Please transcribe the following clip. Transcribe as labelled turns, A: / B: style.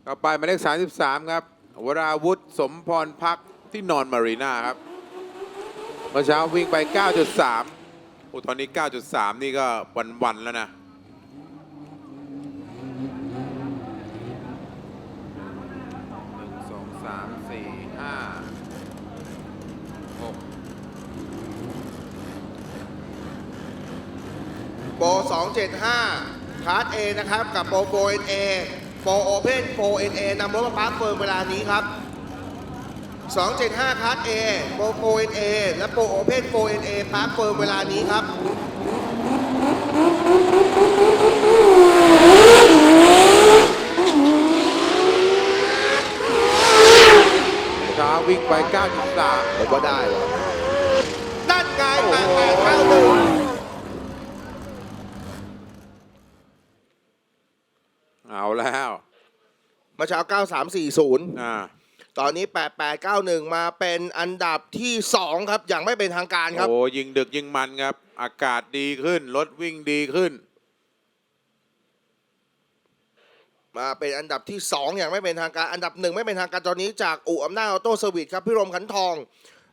A: ต่อไปหมายเลข33ครับวราวุธสมพรพักที่นอนมารีนาครับเมื่อเช้าวิ่งไป 9.3 โอ้ตอนนี้ 9.3 นี่ก็วันๆแล้วนะ1 2 3 4 5 6
B: โปร275คลาส A นะครับกับโปร 4NA โปร Open 4NA นำรถมาปาร์คเฟิร์มเวลานี้ครับ275คลาส A โปร 4NA และโปร Open 4NA ปาร์คเฟิร์มเวลานี้ครับ
A: เช้าวิ่งไป 9.3
B: ผมว่าได้เลยนั่นไง
A: โอ้โห
B: 8891
A: เอาแล้ว
B: เมื่อเช้า9340
A: อ่า
B: ตอนนี้8891มาเป็นอันดับที่2ครับอย่างไม่เป็นทางการครับ
A: โอ้ยิงดึกยิงมันครับ อากาศดีขึ้น รถวิ่งดีขึ้น
B: มาเป็นอันดับที่2อย่างไม่เป็นทางการอันดับ1ไม่เป็นทางการตอนนี้จากอู่อำนาจออโต้เซอร์วิสครับพี่รมขันทอง